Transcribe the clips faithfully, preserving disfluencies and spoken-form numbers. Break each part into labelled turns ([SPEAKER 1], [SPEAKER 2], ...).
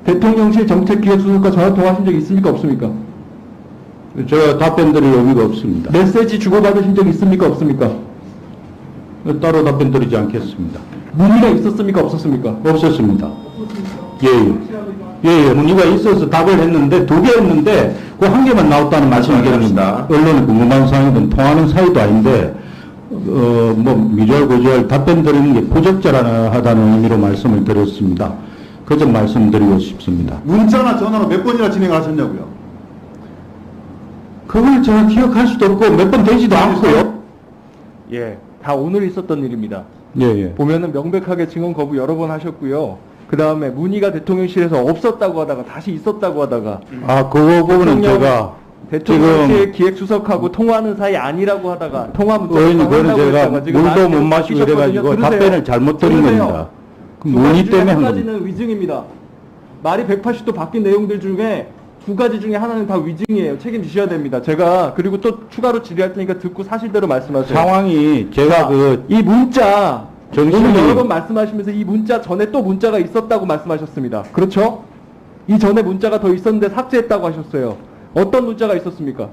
[SPEAKER 1] 대통령실 정책기획수석과 전화 통화하신 적 있습니까? 없습니까?
[SPEAKER 2] 제가 답변 드릴 의미가 없습니다.
[SPEAKER 1] 메시지 주고받으신 적 있습니까? 없습니까?
[SPEAKER 2] 따로 답변 드리지 않겠습니다.
[SPEAKER 1] 문의가 있었습니까? 없었습니까?
[SPEAKER 2] 없었습니다. 예, 예. 예, 예. 문의가 있어서 답을 했는데, 두 개 했는데, 그 한 개만 나왔다는 말씀을 드립니다. 언론에 궁금한 사항이든 통하는 사이도 아닌데, 어, 뭐, 미주알, 고주알 답변 드리는 게 부적절하다는 의미로 말씀을 드렸습니다. 그 점 말씀드리고 싶습니다.
[SPEAKER 3] 문자나 전화로 몇 번이나 진행하셨냐고요?
[SPEAKER 2] 그걸 제가 기억할 수도 없고, 몇 번 되지도 않고요.
[SPEAKER 1] 예, 다 오늘 있었던 일입니다.
[SPEAKER 2] 예, 예.
[SPEAKER 1] 보면은 명백하게 증언 거부 여러 번 하셨고요. 그 다음에 문의가 대통령실에서 없었다고 하다가 다시 있었다고 하다가
[SPEAKER 2] 아, 그거 부분은
[SPEAKER 1] 대통령-
[SPEAKER 2] 제가
[SPEAKER 1] 대통령실
[SPEAKER 2] 지금
[SPEAKER 1] 기획수석하고 통화하는 사이 아니라고 하다가 통화 문자
[SPEAKER 2] 의원님, 그거는 제가 물도 못 마시고 이래가지고 답변을 잘못 드린 겁니다. 그 문의 때문에 한
[SPEAKER 1] 한
[SPEAKER 2] 겁니다.
[SPEAKER 1] 가지는 위증입니다. 말이 백팔십 도 바뀐 내용들 중에 두 가지 중에 하나는 다 위증이에요. 책임지셔야 됩니다. 제가 그리고 또 추가로 질의할 테니까 듣고 사실대로 말씀하세요.
[SPEAKER 2] 상황이 제가
[SPEAKER 1] 자,
[SPEAKER 2] 그
[SPEAKER 1] 이 문자
[SPEAKER 2] 정신이-
[SPEAKER 1] 오늘 여러 번 말씀하시면서 이 문자 전에 또 문자가 있었다고 말씀하셨습니다. 그렇죠? 이 전에 문자가 더 있었는데 삭제했다고 하셨어요. 어떤 문자가 있었습니까?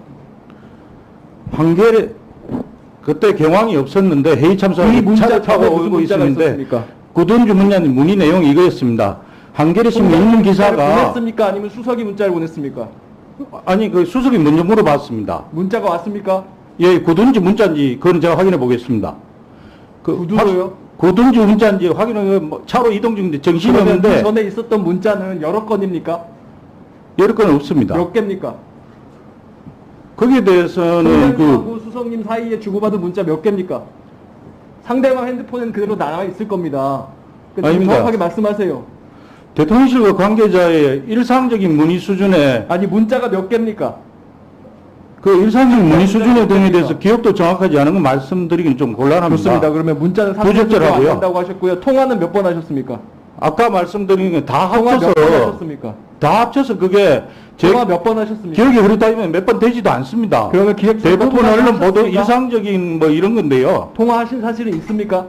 [SPEAKER 2] 판결에 그때 경황이 없었는데 회의
[SPEAKER 1] 이
[SPEAKER 2] 참석을
[SPEAKER 1] 문자
[SPEAKER 2] 차를 타고
[SPEAKER 1] 전에 무슨
[SPEAKER 2] 오고
[SPEAKER 1] 문자가
[SPEAKER 2] 있었는데
[SPEAKER 1] 있었습니까?
[SPEAKER 2] 구든주 문자님 문의 내용이 이거였습니다. 한겨레 신문 읽는
[SPEAKER 1] 문자를
[SPEAKER 2] 기사가
[SPEAKER 1] 보냈습니까? 아니면 수석이 문자를 보냈습니까?
[SPEAKER 2] 아니 그 수석이 먼저 물어봤습니다.
[SPEAKER 1] 문자가 왔습니까?
[SPEAKER 2] 예, 구든주 문자인지 그건 제가 확인해 보겠습니다. 그
[SPEAKER 1] 구두로요?
[SPEAKER 2] 구든주 문자인지 확인해 뭐 차로 이동 중인데 정신이
[SPEAKER 1] 그러면 그
[SPEAKER 2] 없는데
[SPEAKER 1] 전에 있었던 문자는 여러 건입니까?
[SPEAKER 2] 여러 건 없습니다.
[SPEAKER 1] 몇 개입니까?
[SPEAKER 2] 거기에 대해서는 그
[SPEAKER 1] 총장님하고 수석님 사이에 주고받은 문자 몇 개입니까? 상대방 핸드폰엔 그대로 남아 있을 겁니다. 그러니까 지금
[SPEAKER 2] 아닙니다.
[SPEAKER 1] 정확하게 말씀하세요.
[SPEAKER 2] 대통령실과 관계자의 일상적인 문의 수준에
[SPEAKER 1] 아니 문자가 몇 개입니까?
[SPEAKER 2] 그 일상적인 문의 수준에 등에 대해서 기억도 정확하지 않은 건 말씀드리긴 좀 곤란합니다.
[SPEAKER 1] 좋습니다. 그러면 문자는
[SPEAKER 2] 부적절하고요.
[SPEAKER 1] 안 된다고 하셨고요. 통화는 몇 번 하셨습니까?
[SPEAKER 2] 아까 말씀드린 게 다
[SPEAKER 1] 통화 몇 번
[SPEAKER 2] 합쳐서
[SPEAKER 1] 하셨습니까?
[SPEAKER 2] 다 합쳐서 그게 제
[SPEAKER 1] 통화 몇 번 하셨습니까?
[SPEAKER 2] 기억이 흐르다면 몇 번 되지도 않습니다.
[SPEAKER 1] 그러면 기획
[SPEAKER 2] 대부분 언론 보도
[SPEAKER 1] 하셨습니까?
[SPEAKER 2] 일상적인 뭐 이런 건데요.
[SPEAKER 1] 통화하신 사실은 있습니까?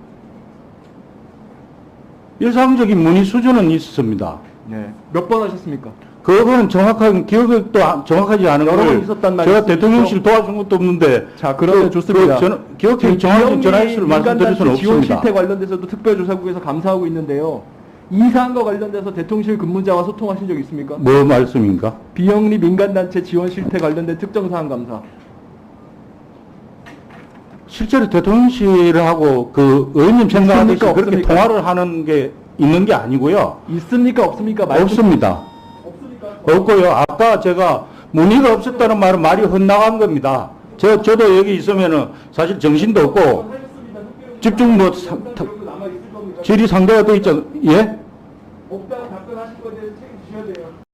[SPEAKER 2] 일상적인 문의 수준은 있습니다.
[SPEAKER 1] 네. 몇 번 하셨습니까?
[SPEAKER 2] 그거는 정확한 기억도 안- 정확하지 않은
[SPEAKER 1] 여러 번
[SPEAKER 2] 걸
[SPEAKER 1] 있었단
[SPEAKER 2] 제가
[SPEAKER 1] 말씀이시죠?
[SPEAKER 2] 대통령실 도와준 것도 없는데
[SPEAKER 1] 자, 그러면
[SPEAKER 2] 그-
[SPEAKER 1] 좋습니다.
[SPEAKER 2] 그 전- 기억이
[SPEAKER 1] 지금
[SPEAKER 2] 정확한
[SPEAKER 1] 비영리
[SPEAKER 2] 전화횟수를 말씀드릴 수는
[SPEAKER 1] 민간단체 지원
[SPEAKER 2] 없습니다.
[SPEAKER 1] 실태 관련돼서도 특별조사국에서 감사하고 있는데요. 이 사안과 관련돼서 대통령실 근무자와 소통하신 적 있습니까?
[SPEAKER 2] 뭐 말씀인가?
[SPEAKER 1] 비영리 민간단체 지원 실태 관련된 특정 사안 감사.
[SPEAKER 2] 실제로 대통령실하고 그 의원님 생각하듯이
[SPEAKER 1] 있습니까?
[SPEAKER 2] 그렇게
[SPEAKER 1] 없습니까?
[SPEAKER 2] 통화를 하는 게 있는 게 아니고요.
[SPEAKER 1] 있습니까? 없습니까? 말씀-
[SPEAKER 2] 없습니다.
[SPEAKER 1] 없습니까?
[SPEAKER 2] 없고요. 아까 제가 문의가 없었다는 말은 말이 헛나간 겁니다. 저, 저도 여기 있으면은 사실 정신도 없고 집중 뭐 사- 타-
[SPEAKER 1] 남아 있을 겁니다.
[SPEAKER 2] 질의 상대가 돼 있죠. 예?
[SPEAKER 1] 없다고 답변하실 거에 대해서 책임지셔야 돼요.